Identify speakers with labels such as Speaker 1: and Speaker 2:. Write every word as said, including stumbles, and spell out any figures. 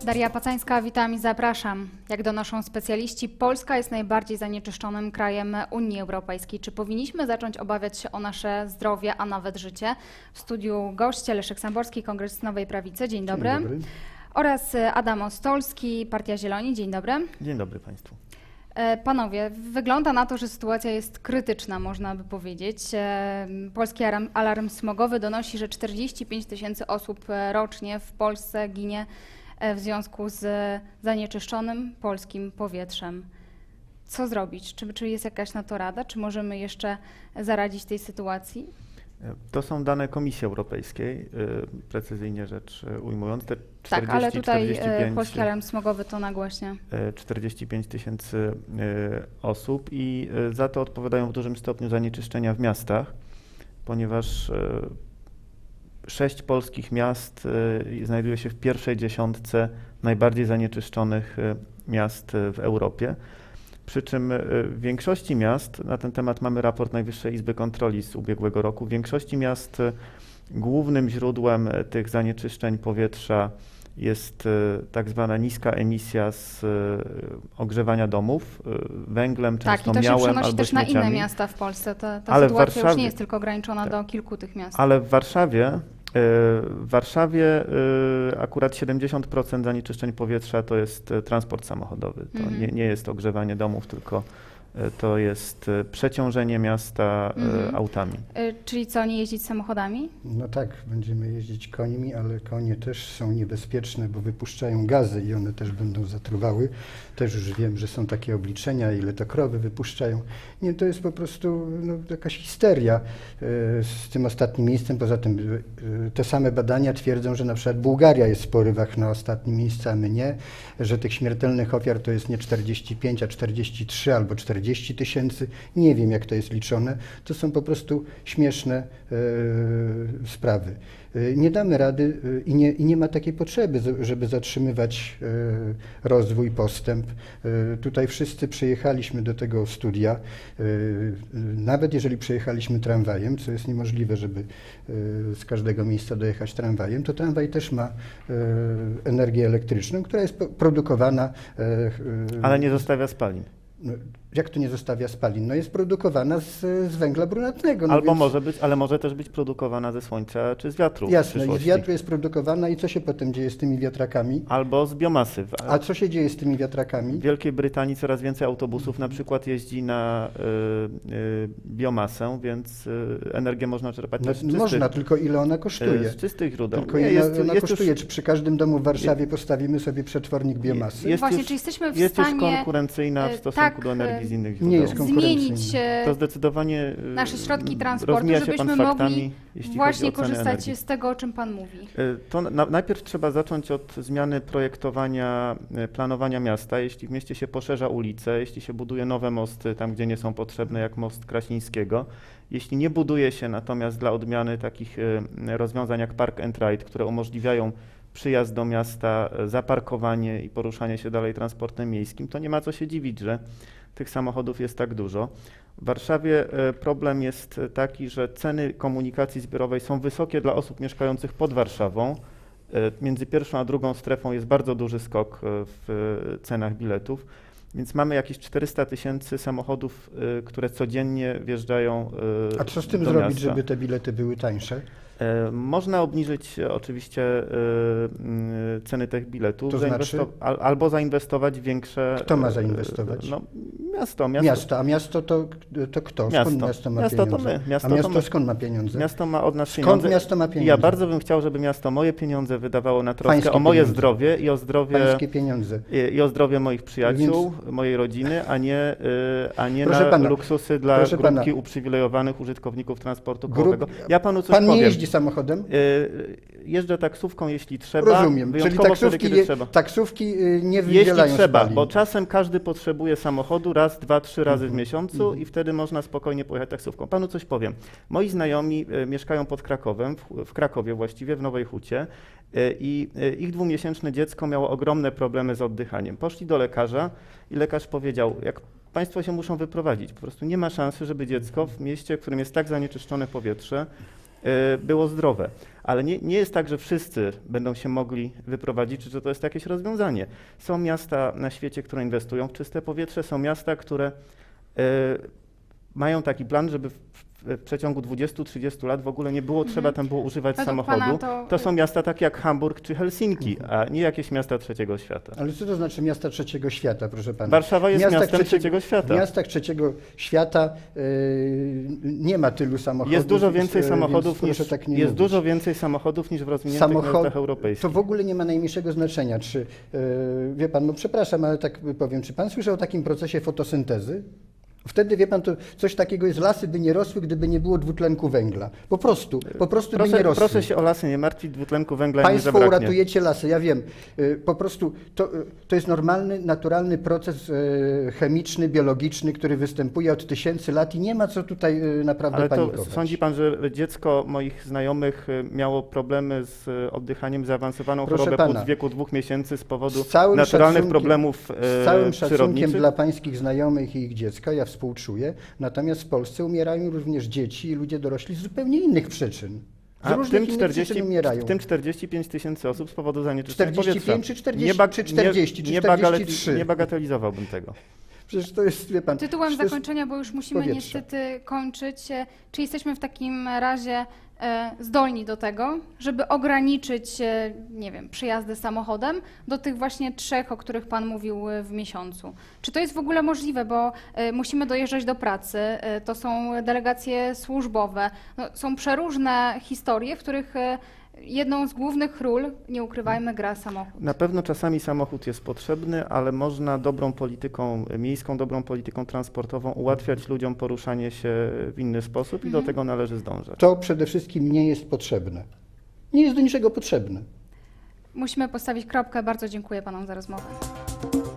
Speaker 1: Daria Pacańska, witam i zapraszam. Jak donoszą specjaliści, Polska jest najbardziej zanieczyszczonym krajem Unii Europejskiej. Czy powinniśmy zacząć obawiać się o nasze zdrowie, a nawet życie? W studiu goście Leszek Samborski, Kongres Nowej Prawicy. Dzień dobry.
Speaker 2: Dzień dobry.
Speaker 1: Oraz Adam Ostolski, Partia Zieloni. Dzień dobry.
Speaker 2: Dzień dobry Państwu.
Speaker 1: Panowie, wygląda na to, że sytuacja jest krytyczna, można by powiedzieć. Polski alarm, alarm smogowy donosi, że czterdzieści pięć tysięcy osób rocznie w Polsce ginie w związku z zanieczyszczonym polskim powietrzem. Co zrobić? Czy, czy jest jakaś na to rada? Czy możemy jeszcze zaradzić tej sytuacji?
Speaker 2: To są dane Komisji Europejskiej, precyzyjnie rzecz ujmując. Te czterdzieści,
Speaker 1: tak, ale tutaj
Speaker 2: czterdzieści pięć,
Speaker 1: Polski Alarm Smogowy to nagłaśnia.
Speaker 2: czterdzieści pięć tysięcy osób i za to odpowiadają w dużym stopniu zanieczyszczenia w miastach, ponieważ sześć polskich miast znajduje się w pierwszej dziesiątce najbardziej zanieczyszczonych miast w Europie. Przy czym w większości miast, na ten temat mamy raport Najwyższej Izby Kontroli z ubiegłego roku, w większości miast głównym źródłem tych zanieczyszczeń powietrza jest tak zwana niska emisja z ogrzewania domów węglem,
Speaker 1: tak,
Speaker 2: często
Speaker 1: i to się
Speaker 2: miałem
Speaker 1: przenosi
Speaker 2: albo
Speaker 1: też na
Speaker 2: śmieciami.
Speaker 1: inne miasta w Polsce. Ta, ta
Speaker 2: Ale w
Speaker 1: sytuacja już
Speaker 2: Warszawie-
Speaker 1: nie jest tylko ograniczona
Speaker 2: tak.
Speaker 1: do kilku tych miast.
Speaker 2: Ale w Warszawie, w Warszawie akurat siedemdziesiąt procent zanieczyszczeń powietrza to jest transport samochodowy. To
Speaker 1: Mhm.
Speaker 2: nie, nie jest ogrzewanie domów, tylko to jest przeciążenie miasta
Speaker 1: Mhm.
Speaker 2: autami.
Speaker 1: Y, Czyli co, nie jeździć samochodami?
Speaker 3: No tak, będziemy jeździć końmi, ale konie też są niebezpieczne, bo wypuszczają gazy i one też będą zatruwały. Też już wiem, że są takie obliczenia, ile to krowy wypuszczają. Nie, to jest po prostu no, jakaś histeria e, z tym ostatnim miejscem. Poza tym e, te same badania twierdzą, że na przykład Bułgaria jest w porywach na ostatnim miejscu, a my nie, że tych śmiertelnych ofiar to jest nie czterdzieści pięć, a czterdzieści trzy albo czterdzieści tysięcy. Nie wiem, jak to jest liczone. To są po prostu śmieszne e, sprawy. E, nie damy rady e, i, nie, i nie ma takiej potrzeby, z- żeby zatrzymywać e, rozwój, postęp. E, tutaj wszyscy przyjechaliśmy do tego studia, e, nawet jeżeli przyjechaliśmy tramwajem, co jest niemożliwe, żeby e, z każdego miejsca dojechać tramwajem, to tramwaj też ma e, energię elektryczną, która jest po- produkowana. e, e,
Speaker 2: Ale nie zostawia spalin.
Speaker 3: no, jak to nie zostawia spalin? No jest produkowana z, z węgla brunatnego. No
Speaker 2: Albo
Speaker 3: więc,
Speaker 2: może być, ale może też być produkowana ze słońca czy z wiatru w
Speaker 3: Jasne, i z
Speaker 2: przyszłości.
Speaker 3: wiatru jest produkowana i co się potem dzieje z tymi wiatrakami?
Speaker 2: Albo z biomasy. W-
Speaker 3: A co się dzieje z tymi wiatrakami?
Speaker 2: W Wielkiej Brytanii coraz więcej autobusów na przykład jeździ na y, y, biomasę, więc y, energię można czerpać
Speaker 3: No,
Speaker 2: też z czystych,
Speaker 3: można, tylko ile ona kosztuje?
Speaker 2: y, z czystych źródeł.
Speaker 3: Tylko
Speaker 2: Nie,
Speaker 3: ile
Speaker 2: jest-
Speaker 3: ona
Speaker 2: jest
Speaker 3: kosztuje?
Speaker 2: już-
Speaker 3: Czy przy każdym domu w Warszawie postawimy sobie przetwornik biomasy?
Speaker 2: Jest
Speaker 1: Właśnie,
Speaker 2: już-
Speaker 1: czy jesteśmy w
Speaker 2: Jest już
Speaker 1: stanie
Speaker 2: konkurencyjna w
Speaker 1: e,
Speaker 2: stosunku
Speaker 1: tak,
Speaker 2: do energii z innych
Speaker 3: nie
Speaker 2: źródeł.
Speaker 3: jest kon-
Speaker 1: zmienić
Speaker 3: konkurencyjne.
Speaker 1: e,
Speaker 2: To zdecydowanie y,
Speaker 1: nasze środki transportu,
Speaker 2: rozmija się
Speaker 1: żebyśmy
Speaker 2: pan faktami,
Speaker 1: mogli
Speaker 2: jeśli
Speaker 1: właśnie
Speaker 2: chodzi o ceny
Speaker 1: korzystać
Speaker 2: energii.
Speaker 1: z tego, o czym Pan mówi.
Speaker 2: Y, To na, najpierw trzeba zacząć od zmiany projektowania, y, planowania miasta. Jeśli w mieście się poszerza ulice, jeśli się buduje nowe mosty tam, gdzie nie są potrzebne, jak most Krasińskiego, jeśli nie buduje się natomiast dla odmiany takich y, rozwiązań jak Park and Ride, które umożliwiają przyjazd do miasta, y, zaparkowanie i poruszanie się dalej transportem miejskim, to nie ma co się dziwić, że tych samochodów jest tak dużo. W Warszawie e, problem jest taki, że ceny komunikacji zbiorowej są wysokie dla osób mieszkających pod Warszawą. E, Między pierwszą a drugą strefą jest bardzo duży skok e, w e, cenach biletów, więc mamy jakieś czterysta tysięcy samochodów, e, które codziennie wjeżdżają e,
Speaker 3: A co z tym
Speaker 2: do
Speaker 3: zrobić,
Speaker 2: miasta.
Speaker 3: żeby te bilety były tańsze?
Speaker 2: E, Można obniżyć e, oczywiście e, mm, ceny tych biletów,
Speaker 3: To znaczy?
Speaker 2: zainwesto- al, albo zainwestować w większe...
Speaker 3: Kto ma
Speaker 2: e,
Speaker 3: zainwestować?
Speaker 2: No, miasto, miasto.
Speaker 3: Miasto, a miasto to, to kto? Skąd
Speaker 2: Miasto.
Speaker 3: miasto ma
Speaker 2: Miasto to
Speaker 3: pieniądze?
Speaker 2: my. Miasto
Speaker 3: a
Speaker 2: to
Speaker 3: miasto
Speaker 2: my.
Speaker 3: skąd ma pieniądze?
Speaker 2: Miasto ma od nas
Speaker 3: Skąd
Speaker 2: pieniądze.
Speaker 3: miasto ma
Speaker 2: I
Speaker 3: pieniądze?
Speaker 2: ja bardzo bym chciał, żeby miasto moje pieniądze wydawało na troskę
Speaker 3: Pańskie
Speaker 2: o moje
Speaker 3: pieniądze.
Speaker 2: zdrowie i o zdrowie,
Speaker 3: Pańskie pieniądze.
Speaker 2: i, i o zdrowie moich przyjaciół, mojej rodziny, a nie, y, a nie
Speaker 3: Proszę
Speaker 2: na
Speaker 3: pana,
Speaker 2: luksusy dla
Speaker 3: proszę pana.
Speaker 2: grupki uprzywilejowanych użytkowników transportu
Speaker 3: Grup-
Speaker 2: kołowego. Ja panu coś
Speaker 3: Pan nie
Speaker 2: powiem.
Speaker 3: jeździ samochodem?
Speaker 2: Y, Jeżdżę taksówką, jeśli trzeba.
Speaker 3: Rozumiem, czyli
Speaker 2: wyjątkowo
Speaker 3: taksówki,
Speaker 2: wtedy, kiedy
Speaker 3: je,
Speaker 2: trzeba.
Speaker 3: taksówki y, nie
Speaker 2: Jeśli
Speaker 3: wydzielają
Speaker 2: trzeba,
Speaker 3: spalin.
Speaker 2: bo czasem każdy potrzebuje samochodu raz, dwa, trzy razy w
Speaker 3: Mhm,
Speaker 2: miesiącu
Speaker 3: mhm.
Speaker 2: i wtedy można spokojnie pojechać taksówką. Panu coś powiem. Moi znajomi e, mieszkają pod Krakowem, w, w Krakowie właściwie, w Nowej Hucie e, i e, ich dwumiesięczne dziecko miało ogromne problemy z oddychaniem. Poszli do lekarza i lekarz powiedział, jak państwo się muszą wyprowadzić, po prostu nie ma szansy, żeby dziecko w mieście, w którym jest tak zanieczyszczone powietrze, e, było zdrowe. Ale nie, nie jest tak, że wszyscy będą się mogli wyprowadzić, czy że to jest jakieś rozwiązanie. Są miasta na świecie, które inwestują w czyste powietrze, są miasta, które e, mają taki plan, żeby w, w, w przeciągu dwudziestu do trzydziestu lat w ogóle nie było trzeba tam było używać
Speaker 1: Według
Speaker 2: samochodu.
Speaker 1: pana to-
Speaker 2: To są miasta takie jak Hamburg czy Helsinki, a nie jakieś miasta trzeciego świata.
Speaker 3: Ale co to znaczy miasta trzeciego świata, proszę pana?
Speaker 2: Warszawa jest
Speaker 3: W miastach
Speaker 2: miastem trzeciego świata.
Speaker 3: W miastach trzeciego świata yy, nie ma tylu samochodów.
Speaker 2: Jest dużo więcej
Speaker 3: yy,
Speaker 2: samochodów
Speaker 3: więc
Speaker 2: niż,
Speaker 3: proszę tak nie
Speaker 2: jest
Speaker 3: mówić.
Speaker 2: dużo więcej samochodów niż w rozwiniętych
Speaker 3: Samochod-
Speaker 2: miastach europejskich.
Speaker 3: To w ogóle nie ma najmniejszego znaczenia, czy, yy, wie pan, no przepraszam, ale tak powiem, czy pan słyszał o takim procesie fotosyntezy? Wtedy, wie pan, to coś takiego jest, lasy by nie rosły, gdyby nie było dwutlenku węgla. Po prostu, po prostu by
Speaker 2: Proszę,
Speaker 3: nie rosły.
Speaker 2: proszę się o lasy nie martwić, dwutlenku węgla nie
Speaker 3: Państwo
Speaker 2: zabraknie.
Speaker 3: uratujecie lasy, ja wiem. Y, Po prostu to, y, to jest normalny, naturalny proces y, chemiczny, biologiczny, który występuje od tysięcy lat i nie ma co tutaj y, naprawdę
Speaker 2: Ale to
Speaker 3: panikować.
Speaker 2: sądzi pan, że dziecko moich znajomych y, miało problemy z y, oddychaniem, zaawansowaną
Speaker 3: Proszę
Speaker 2: chorobę
Speaker 3: pana,
Speaker 2: płuc w wieku dwóch miesięcy z powodu
Speaker 3: Z całym
Speaker 2: naturalnych
Speaker 3: szacunkiem-
Speaker 2: problemów y,
Speaker 3: Z całym szacunkiem
Speaker 2: przyrodniczych?
Speaker 3: dla pańskich znajomych i ich dziecka, ja współczuję, natomiast w Polsce umierają również dzieci i ludzie dorośli z zupełnie innych przyczyn. Z
Speaker 2: A w
Speaker 3: różnych
Speaker 2: tym,
Speaker 3: innych
Speaker 2: czterdzieści,
Speaker 3: przyczyn umierają.
Speaker 2: w tym czterdzieści pięć tysięcy osób z powodu zanieczyszczenia
Speaker 3: czterdzieści
Speaker 2: powietrza.
Speaker 3: pięć czy czterdzieści,
Speaker 2: nie bag-
Speaker 3: czy czterdzieści,
Speaker 2: nie,
Speaker 3: czy
Speaker 2: nie,
Speaker 3: czterdzieści trzy.
Speaker 2: bagateli- nie bagatelizowałbym tego.
Speaker 3: Przecież to jest, wie pan...
Speaker 1: Tytułem
Speaker 3: to jest-
Speaker 1: zakończenia, bo już musimy
Speaker 3: powietrze.
Speaker 1: niestety kończyć. e, Czy jesteśmy w takim razie e, zdolni do tego, żeby ograniczyć, e, nie wiem, przyjazdy samochodem do tych właśnie trzech, o których Pan mówił e, w miesiącu? Czy to jest w ogóle możliwe, bo e, musimy dojeżdżać do pracy, e, to są delegacje służbowe, no, są przeróżne historie, w których e, jedną z głównych ról, nie ukrywajmy, gra samochód.
Speaker 2: Na pewno czasami samochód jest potrzebny, ale można dobrą polityką miejską, dobrą polityką transportową ułatwiać ludziom poruszanie się w inny sposób i
Speaker 1: Mhm.
Speaker 2: do tego należy zdążać.
Speaker 3: To przede wszystkim nie jest potrzebne. Nie jest do niczego potrzebne.
Speaker 1: Musimy postawić kropkę. Bardzo dziękuję Panom za rozmowę.